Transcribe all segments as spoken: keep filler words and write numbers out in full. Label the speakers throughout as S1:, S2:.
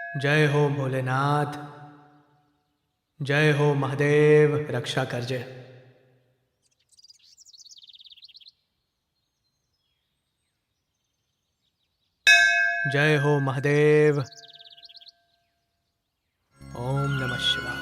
S1: जय हो भोलेनाथ, जय हो महादेव, रक्षा करजे। जय हो महादेव। ओम नमः शिवाय।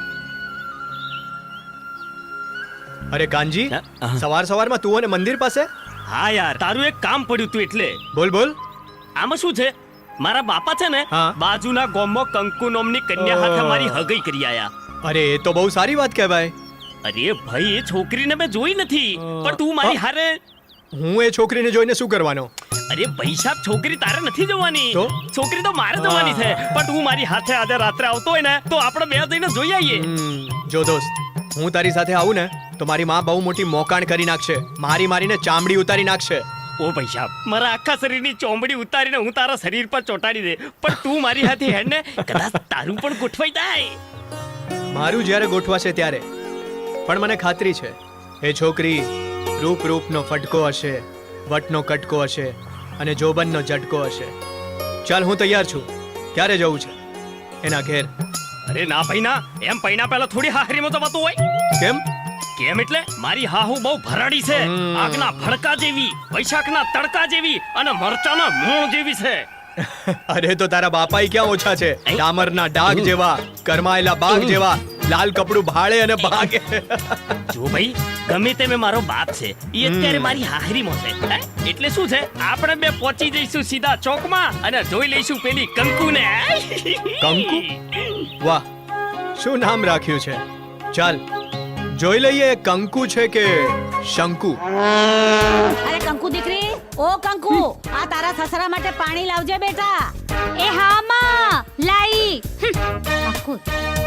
S1: अरे कानजी, सवार सवार में तू ने मंदिर पासे?
S2: હા યાર, તારું એક કામ પડ્યું તું એટલે.
S1: बोल बोल।
S2: આમાં શું છે, મારા બાપા છે ને
S1: હા.
S2: બાજુના ગામમાં કંકુ નામની કન્યા હાથે
S1: ઓહ.
S2: મારી હગઈ કરી આયા.
S1: अरे ये तो बहुत सारी बात कહેવાય।
S2: અરે ભાઈ, એ છોકરીને મેં જોઈ નથી, પણ તું મારી હારે.
S1: હું એ છોકરીને જોઈને શું કરવાનો?
S2: અરે ભાઈ સાહેબ, છોકરી તારે નથી જોવાની,
S1: તો?
S2: છોકરી તો મારે જોવાની છે, પણ તું મારી હાથે આજે રાત્રે આવતો હોય ને તો આપણે બે જઈને જોઈ આવીએ.
S1: હમ, જો દોસ્ત, હું તારી સાથે આવું ને તો મારી માં બહુ મોટી મોકાણ કરી નાખશે, મારી મારીને ચામડી ઉતારી નાખશે।
S2: ઓ ભાઈ સાહેબ, મારા આખા શરીરની ચોમડી ઉતારીને હું તારા શરીર પર ચોટાડી દે, પણ તું મારી હાથે હેડ ને કદાચ તારું પણ ગોઠવાઈ જાય।
S1: મારું જ્યારે ગોઠવાશે ત્યારે, પણ મને ખાતરી છે એ છોકરી રૂપ રૂપનો ફટકો હશે, વટનો કટકો હશે અને જોબનનો ઝટકો હશે। ચાલ, હું તૈયાર છું, ક્યારે જવું છે એના ઘેર?
S2: અરે ના ભાઈ ના, એમ પૈણા પહેલા થોડી હાહરીમાં તો વાતું હોય।
S1: કેમ?
S2: કેમ એટલે મારી હાહુ બહુ ભરાડી છે,
S1: હમ.
S2: આગના ભડકા જેવી, વૈશાખના તડકા જેવી અને મરચાના મૂળ જેવી છે।
S1: અરે તો તારા બાપાઈ ક્યાં ઓછા છે? ડામરના ડાઘ જેવા, કરમાયેલા બાગ જેવા, લાલ કપડું ભાળે અને ભાગે।
S2: જો ભાઈ, ગમે તે મેં મારો બાપ છે, એ અત્યારે મારી હાહરીમાં છે, હે? એટલે શું છે, આપણે બે પહોંચી જઈશું સીધા ચોકમાં અને જોઈ લઈશું પેલી કંકુને।
S1: કંકુ? વાહ, શું નામ રાખ્યું છે! ચાલ જોઈ લઈએ કંકુ છે કે શંકુ।
S3: અરે કંકુ દીકરી, ઓ કંકુ, આ તારા સસરા માટે પાણી લાવજે બેટા।
S4: એ હા માં, લાઈ આખું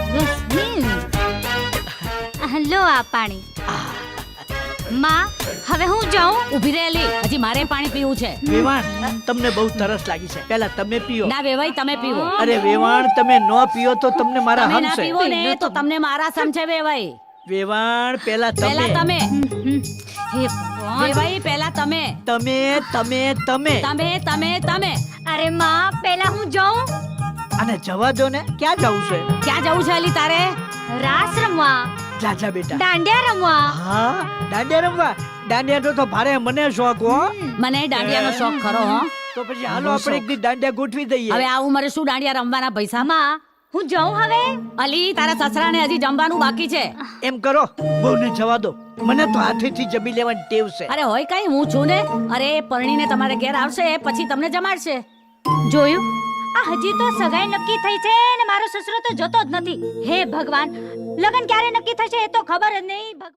S4: લો આ પાણી। માં, હવે હું જાઉં?
S3: ઊભી રહેલી, હજી મારે પાણી પીવું છે।
S5: વેવાણ, તમને બહુ તરસ લાગી છે, પહેલા તમે પીઓ।
S3: ના વેવાઈ, તમે પીવો।
S5: અરે વેવાણ, તમે ન પીઓ તો તમને મારા
S3: તમે ના
S5: હમશે।
S3: પીવો ને તો તમને મારા સમજે વેવાઈ।
S5: વેવાણ, પહેલા
S3: પહેલા
S5: તમે
S3: તમે,
S4: હે ભગવાન।
S3: વેવાઈ પહેલા તમે,
S5: તમે તમે તમે
S3: તમે તમે તમે।
S4: અરે માં, પહેલા હું જાઉં?
S5: અને જવા દો ને, ક્યાં જવું છે?
S3: ક્યાં જવું છે અલી તારે?
S4: રાસ રમવા,
S5: જા જા બેટા।
S4: દાંડિયા રમવા।
S5: હા, દાંડિયા રમવા? દાંડિયા તો ભારે મને શોખ હો।
S3: મને દાંડિયાનો શોખ ખરો હો।
S5: તો પછી હાલો આપણે એક દી દાંડિયા ગોઠવી દઈએ।
S3: હવે આ ઉંમરે શું દાંડિયા રમવાના પૈસા?
S4: માં, હું જાઉં હવે?
S3: અલી, તારા સસરાને હજી જમવાનું બાકી છે।
S5: એમ કરો, બહુને જવા દો, મને તો હાથેથી જમી લેવાની ટેવ છે।
S3: અરે હોય કઈ, હું છું ને। અરે પરણીને તમારે ઘેર આવશે પછી તમને જમાડશે।
S4: જોયું? આ હજી તો સગાઈ નક્કી થઈ છે ને મારો સસરો તો જતો જ નથી। હે ભગવાન, લગન ક્યારે નક્કી થશે એ તો ખબર જ નહીં।